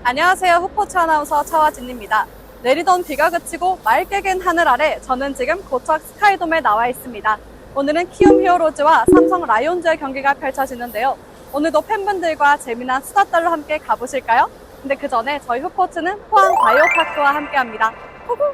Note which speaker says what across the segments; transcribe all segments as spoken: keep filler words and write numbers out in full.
Speaker 1: 안녕하세요. 후포츠 아나운서 차화진입니다. 내리던 비가 그치고 맑게 갠 하늘 아래 저는 지금 고척 스카이돔에 나와 있습니다. 오늘은 키움 히어로즈와 삼성 라이온즈의 경기가 펼쳐지는데요. 오늘도 팬분들과 재미난 수다 떨로 함께 가보실까요? 근데 그 전에 저희 후포츠는 포항 바이오파크와 함께합니다. 후후.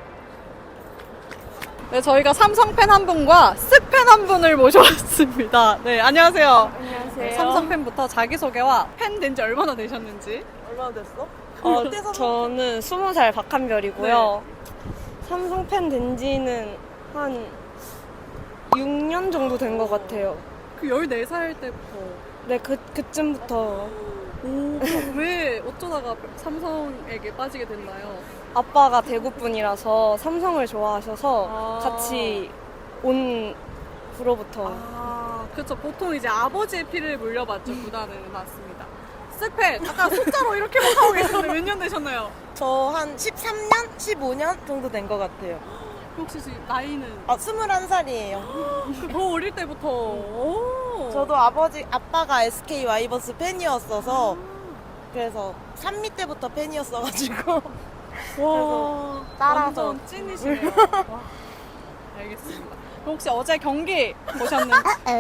Speaker 1: 네, 저희가 삼성 팬 한 분과 쓱 팬 한 분을 모셔왔습니다. 네, 안녕하세요.
Speaker 2: 안녕하세요.
Speaker 1: 삼성 팬부터 자기소개와 팬 된 지 얼마나 되셨는지.
Speaker 2: 얼마나 됐어?
Speaker 3: 어,
Speaker 2: 그때 삼성-
Speaker 3: 저는 스무 살 박한별이고요. 삼성 팬 된 지는 한 육 년 정도 된 것 같아요.
Speaker 1: 그 열네 살 때부터.
Speaker 3: 네, 그, 그쯤부터.
Speaker 1: 오, 왜 어쩌다가 삼성에게 빠지게 됐나요?
Speaker 3: 아빠가 대구 분이라서 삼성을 좋아하셔서
Speaker 1: 아.
Speaker 3: 같이 온 후로부터.
Speaker 1: 아, 그렇죠. 보통 이제 아버지의 피를 물려받죠, 구단은. 맞습니다. 쓱팬, 아까 숫자로 이렇게만 하고 계셨는데 몇 년 되셨나요?
Speaker 2: 저 한 십삼 년? 십오 년 정도 된 것 같아요.
Speaker 1: 혹시 지금 나이는
Speaker 2: 아, 스물한 살이에요.
Speaker 1: 더 어릴 때부터. 오.
Speaker 2: 저도 아버지, 아빠가 에스케이 와이번스 팬이었어서 그래서 삼미 때부터 팬이었어가지고
Speaker 1: 와,
Speaker 2: 따라서.
Speaker 1: 완전 찐이시네요. 와, 알겠습니다. 그럼 혹시 어제 경기 보셨는지?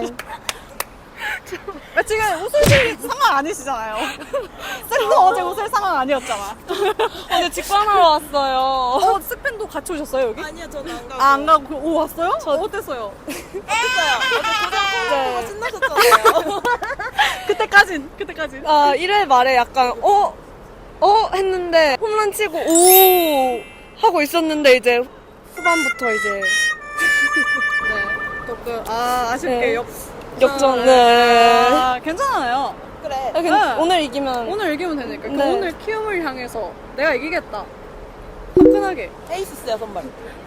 Speaker 1: 아, 지금 웃으실 상황 아니시잖아요. 쓱도 어제 웃을 상황 아니었잖아.
Speaker 3: 어제 직관하러 왔어요.
Speaker 1: 어, 쓱팬도 같이 오셨어요, 여기?
Speaker 2: 아니요, 저는 안 가고.
Speaker 1: 아, 안 가고, 오, 왔어요? 저 어땠어요?
Speaker 2: 어땠어요? 어제
Speaker 3: 네.
Speaker 2: 고장 신나셨잖아요.
Speaker 1: 그때까진, 그때까진.
Speaker 3: 아, 일 회 말에 약간, 어? 어? 했는데, 홈런 치고, 오! 하고 있었는데, 이제, 후반부터 이제,
Speaker 1: 네. 조금, 아, 아쉽게
Speaker 3: 네.
Speaker 1: 역,
Speaker 3: 역전, 네.
Speaker 1: 아, 괜찮아요.
Speaker 2: 그래.
Speaker 3: 아, 괜-
Speaker 1: 네.
Speaker 3: 오늘 이기면,
Speaker 1: 오늘 이기면 되니까. 그
Speaker 3: 네.
Speaker 1: 오늘 키움을 향해서 내가 이기겠다. 화끈하게.
Speaker 2: 에이스스야, 선발.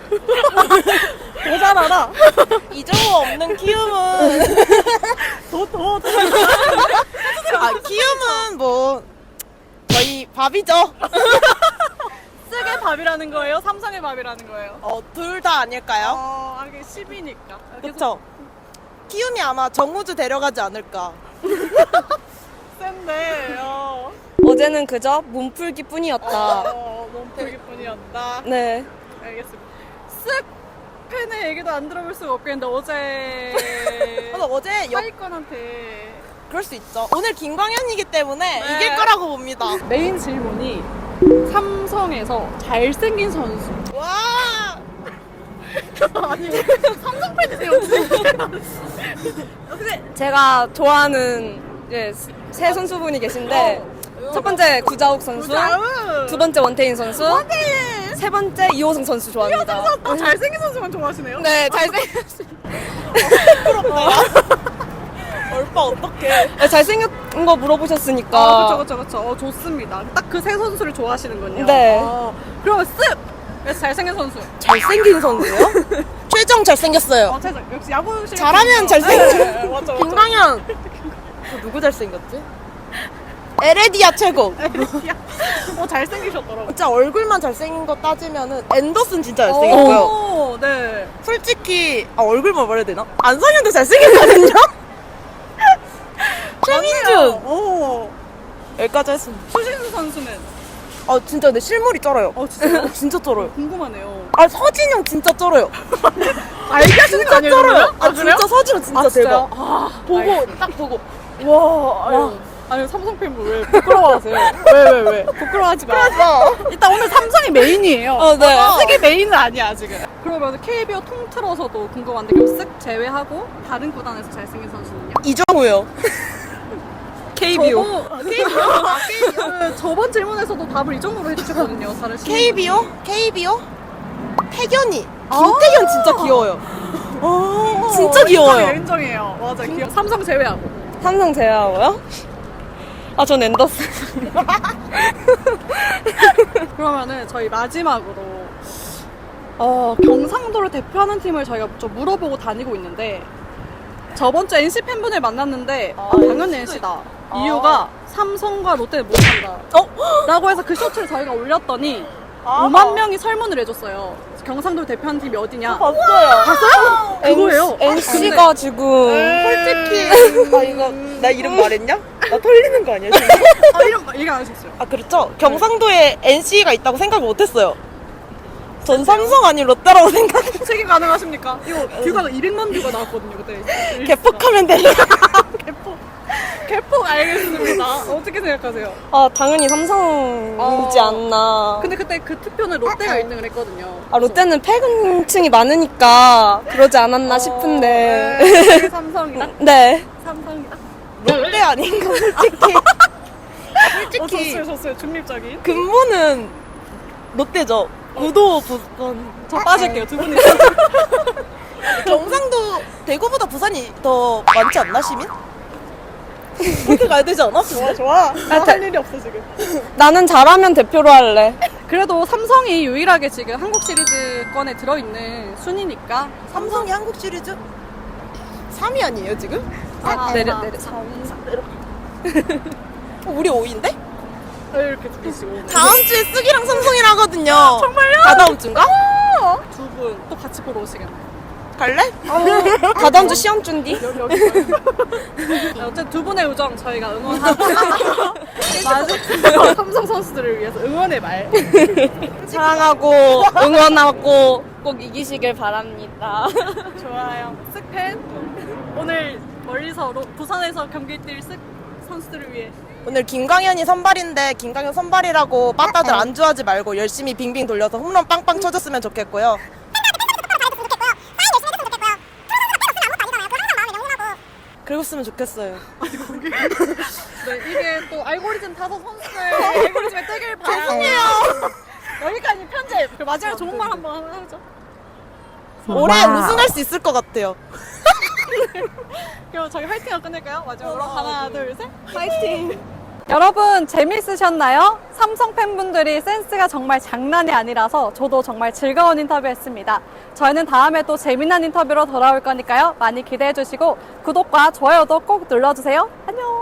Speaker 1: 더 잘하라.
Speaker 2: 이정우 없는 키움은.
Speaker 1: 더, 더, 더.
Speaker 2: 아, 키움은 뭐, 거의 밥이죠.
Speaker 1: 쓱의 밥이라는 거예요? 삼성의 밥이라는 거예요?
Speaker 2: 어, 둘 다 아닐까요?
Speaker 1: 어, 아, 이게 십이니까.
Speaker 2: 그쵸? 키움이 아마 정우주 데려가지 않을까.
Speaker 1: 센데, 어.
Speaker 3: 어제는 그저 몸풀기 뿐이었다.
Speaker 1: 어, 몸풀기 뿐이었다.
Speaker 3: 네.
Speaker 1: 알겠습니다. 쓱 팬의 얘기도 안 들어볼 수가 없겠는데, 어제.
Speaker 2: 근데 어제 역,
Speaker 1: 하위권한테.
Speaker 2: 그럴 수 있죠. 오늘 김광현이기 때문에
Speaker 1: 네.
Speaker 2: 이길 거라고 봅니다.
Speaker 1: 메인 질문이 삼성에서 잘생긴 선수.
Speaker 2: 와!
Speaker 1: 아니, 삼성 팬이세요, 혹시?
Speaker 3: 제가 좋아하는 이제 세 선수분이 계신데, 첫 번째 구자욱 선수,
Speaker 1: 구자욱!
Speaker 3: 두 번째 원태인 선수,
Speaker 1: 원태인!
Speaker 3: 세 번째 이호승 선수 좋아합니다.
Speaker 1: 아, 잘생긴 선수만 좋아하시네요?
Speaker 3: 네, 잘생,
Speaker 2: 얼빠 어떡해.
Speaker 3: 네, 잘생긴 거 물어보셨으니까.
Speaker 1: 아, 그쵸, 그쵸, 그쵸. 어, 좋습니다. 딱 그 세 선수를 좋아하시는군요.
Speaker 3: 네.
Speaker 1: 어, 그러면 쓱! 그래서 잘생긴 선수.
Speaker 2: 잘생긴 선수요? 최정 잘생겼어요.
Speaker 1: 어, 최선. 역시 야구 실
Speaker 2: 잘하면 잘생겨.
Speaker 1: 네, 맞죠, 맞죠.
Speaker 2: 김광현. 또 누구 잘생겼지? 에레디아 최고.
Speaker 1: 어, 잘생기셨더라고요.
Speaker 2: 진짜 얼굴만 잘생긴 거 따지면은 앤더슨 진짜 잘생겼고요.
Speaker 1: 오, 네.
Speaker 2: 솔직히 아, 얼굴만 말해야 되나? 안상현도 잘생겼거든요. 최민준
Speaker 1: 오.
Speaker 2: 여기까지 했습니다.
Speaker 1: 추신수 선수는?
Speaker 2: 아 진짜 근데 실물이 쩔어요.
Speaker 1: 어, 진짜요?
Speaker 2: 진짜 쩔어요.
Speaker 1: 궁금하네요.
Speaker 2: 아 서진영 진짜 쩔어요.
Speaker 1: 알게 하시는 거
Speaker 2: 진짜
Speaker 1: 아니에요?
Speaker 2: 쩔어요.
Speaker 1: 그러면?
Speaker 2: 아 진짜 서진영 진짜
Speaker 1: 아, 진짜요?
Speaker 2: 대박.
Speaker 1: 아,
Speaker 2: 보고 딱 보고 와. 아유.
Speaker 1: 와. 아니, 삼성 팬분 왜 부끄러워하세요? 왜, 왜, 왜? 부끄러워하지 마. 일단 오늘 삼성이 메인이에요.
Speaker 3: 어, 네.
Speaker 1: 쓱이 메인은 아니야, 지금. 그러면 케이비오 통틀어서도 궁금한데, 그럼 쓱 제외하고 다른 구단에서 잘생긴 선수는요?
Speaker 2: 이정우요.
Speaker 3: 케이비오.
Speaker 1: 저번, 케이비오? 아, 케이비오. 그 저번 질문에서도 답을 이 정도로 해주셨거든요, 다른 시민분이.
Speaker 2: 케이비오? 케이비오? 태견이.
Speaker 1: 아.
Speaker 2: 김태견 진짜 귀여워요.
Speaker 1: 어,
Speaker 2: 진짜 귀여워요.
Speaker 1: 인정이에요, 인정이에요. 맞아, 귀여워. 삼성 제외하고.
Speaker 3: 삼성 제외하고요? 아, 전 앤더슨.
Speaker 1: 그러면은 저희 마지막으로 어, 경상도를 대표하는 팀을 저희가 좀 물어보고 다니고 있는데 저번 주 엔씨 팬분을 만났는데 아, 당연히 엔씨다. 이유가 삼성과 롯데는 못한다.
Speaker 2: 어?
Speaker 1: 라고 해서 그 쇼츠를 저희가 올렸더니
Speaker 2: 아.
Speaker 1: 오만 명이 설문을 해줬어요. 경상도를 대표하는 팀이 어디냐.
Speaker 2: 봤어요.
Speaker 1: 봤어요? 그거예요.
Speaker 3: 엔씨가 지금.
Speaker 2: 솔직히 아 이거 나 이름 말했냐? 나 털리는 거 아니야 지금?
Speaker 1: 아, 이런 얘기 안 하셨어요.
Speaker 2: 아 그렇죠. 경상도에 엔씨가 있다고 생각을 못했어요. 전 삼성 아닌 롯데라고 생각.
Speaker 1: 책임 가능하십니까? 이거 뷰가 이백만 뷰가 나왔거든요, 그때.
Speaker 2: 개폭하면 되는.
Speaker 1: 개폭. 개폭 알겠습니다. 어떻게 생각하세요?
Speaker 3: 아, 당연히 삼성이지
Speaker 1: 어.
Speaker 3: 않나.
Speaker 1: 근데 그때 그 투표는 롯데가 일 등을 했거든요.
Speaker 3: 아, 롯데는 패근층이 많으니까 그러지 않았나 싶은데.
Speaker 1: 네, 삼성이다.
Speaker 3: 네.
Speaker 1: 삼성이다.
Speaker 2: 롯데 아닌가 솔직히.
Speaker 1: 어, 좋어요, 좋어요. 중립적인.
Speaker 2: 근무는 롯데죠. 구도 부산.
Speaker 1: 저 빠질게요, 두 분이.
Speaker 2: 경상도 대구보다 부산이 더 많지 않나 시민? 그렇게 가야 되지 않아?
Speaker 1: 좋아, 좋아. 나 할 일이 없어, 지금.
Speaker 3: 나는 잘하면 대표로 할래.
Speaker 1: 그래도 삼성이 유일하게 지금 한국 시리즈권에 들어있는 순위니까.
Speaker 2: 삼성이 한국 시리즈 삼 위 아니에요 지금?
Speaker 1: 아, 내려, 내려.
Speaker 2: 어, 우리 오 위인데?
Speaker 1: 이렇게 두개시고.
Speaker 2: 다음 주에 쓰기랑 삼성이랑 하거든요.
Speaker 1: 정말요?
Speaker 2: 다다음 주인가?
Speaker 1: 두 분 또 같이 보러 오시겠네.
Speaker 2: 갈래?
Speaker 3: 다다음 주 시험 준디?
Speaker 1: 여기, 여기. 네, 어쨌든 두 분의 우정 저희가 응원하고. 맞아. 삼성 선수들을 위해서 응원의 말.
Speaker 3: 사랑하고 응원하고 꼭 이기시길 바랍니다.
Speaker 1: 좋아요. 쓱팬. 오늘 멀리서 로- 부산에서 경기 뛸 쓱 선수들을 위해.
Speaker 2: 오늘 김광현이 선발인데 김광현 선발이라고 빠따들 안주하지 말고 열심히 빙빙 돌려서 홈런 빵빵 쳐줬으면 좋겠고요. 그랬으면 좋겠어요.
Speaker 1: 네, 이게 또 알고리즘 타서 선수들 알고리즘에 뜨길 바라요.
Speaker 2: 죄송해요.
Speaker 1: 여기까지 편집. 그 마지막에 좋은 말 한번 하죠.
Speaker 2: 올해 우승할 수 있을 것 같아요.
Speaker 1: 그럼 저희 화이팅을 끝낼까요? 마지막으로
Speaker 2: 어,
Speaker 1: 하나,
Speaker 2: 네.
Speaker 1: 둘, 셋. 화이팅! 여러분 재밌으셨나요? 삼성 팬분들이 센스가 정말 장난이 아니라서 저도 정말 즐거운 인터뷰였습니다. 저희는 다음에 또 재미난 인터뷰로 돌아올 거니까요. 많이 기대해 주시고 구독과 좋아요도 꼭 눌러주세요. 안녕!